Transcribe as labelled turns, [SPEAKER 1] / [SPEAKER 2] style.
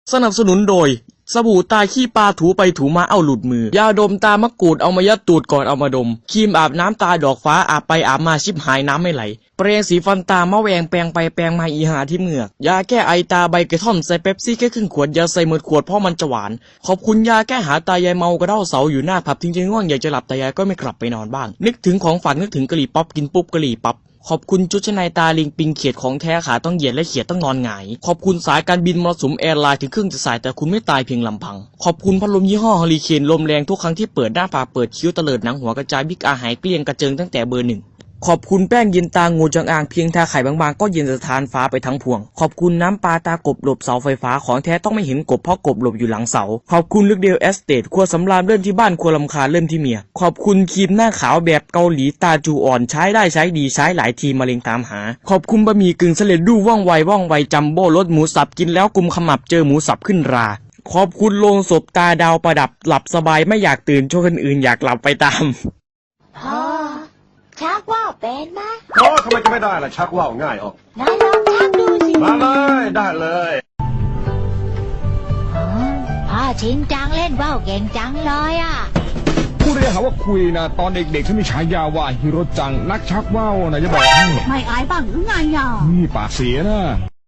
[SPEAKER 1] สนับสนุนโดยสบู่ตาขี้ปลาถูไปถูมาเอาหลุดมือยาดมตามะกรูดเอามายัดตูดก่อนเอามาดมครีมอาบน้ำตาดอกฟ้าอาบไปอาบมาชิบหายน้ำไม่ไหลแปรงสีฟันตามะแวงแปรงไปแปรงมาอีหาที่เหงือกยาแก้ไอตาใบกระท่อมใส่เป๊ปซี่แค่ครึ่งขวดยาใส่หมดขวดเพราะมันจะหวานขอบคุณยาแก้หาตายายเมากระเด้าเสาอยู่หน้าผับทิ้งใจง่วงอยากจะหลับแต่ยายก็ไม่กลับไปนอนบ้างนึกถึงของฝันนึกถึงกะหรี่ปั๊บกินปุ๊บกะหรี่ปั๊บขอบคุณชุดชั้นในตาลิงปิงเขียดของแท้ขาต้องเหยียดและเขียดต้องนอนหงายขอบคุณสายการบินมรสุมแอร์ไลน์ถึงครึ่งจะสายแต่คุณไม่ตายเพียงลำพังขอบคุณพัดลมยี่ห้อเฮอริเคนลมแรงทุกครั้งที่เปิดหน้าผากเปิดคิ้วเตลิดหนังหัวกระจายบิ๊กอาหายเกลี้ยงกระเจิงตั้งแต่เบอร์หนึ่งขอบคุณแป้งเย็นตางูจงอางเพียงทาไข่บางๆก็เย็นสะท้านฟ้าไปทั้งพวงขอบคุณน้ำปลาตากบหลบเสาไฟฟ้าของแท้ต้องไม่เห็นกบเพราะกบหลบอยู่หลังเสาขอบคุณลึกเดียวเอสเตทครัวสำราญเริ่มที่บ้านครัวลำคาเริ่มที่เมียขอบคุณครีมหน้าขาวแบบเกาหลีตาจูอ่อนใช้ได้ใช้ดีใช้หลายทีมะเร็งตามหาขอบคุณบะหมี่กึ่งสำเร็จรูปว่องไวจัมโบ้รสหมูสับกินแล้วกุมขมับเจอหมูสับขึ้นราขอบคุณโลงศพตาดาวประดับหลับสบายไม่อยากตื่นโชว์คนอื่นอยากหลับไปตาม
[SPEAKER 2] พ่อชักว่าวเป็นไหม
[SPEAKER 3] โอ้ทำไมจะไม่ได้ล่ะชักว่าวง่ายออก
[SPEAKER 2] นายลองชักดูสิ
[SPEAKER 3] มาเลยได้เลย
[SPEAKER 2] พ่อชินจังเล่นว่าวเก่งจังเลยอ่ะ
[SPEAKER 4] พูดได้หาว่าคุยนะตอนเด็กๆฉันมีฉายาว่าฮิโรจังนักชักว่าวนะจะบอกให้
[SPEAKER 2] ไม่อายบ้างหรือไงอ่ะ
[SPEAKER 4] นี่ปากเสียนะ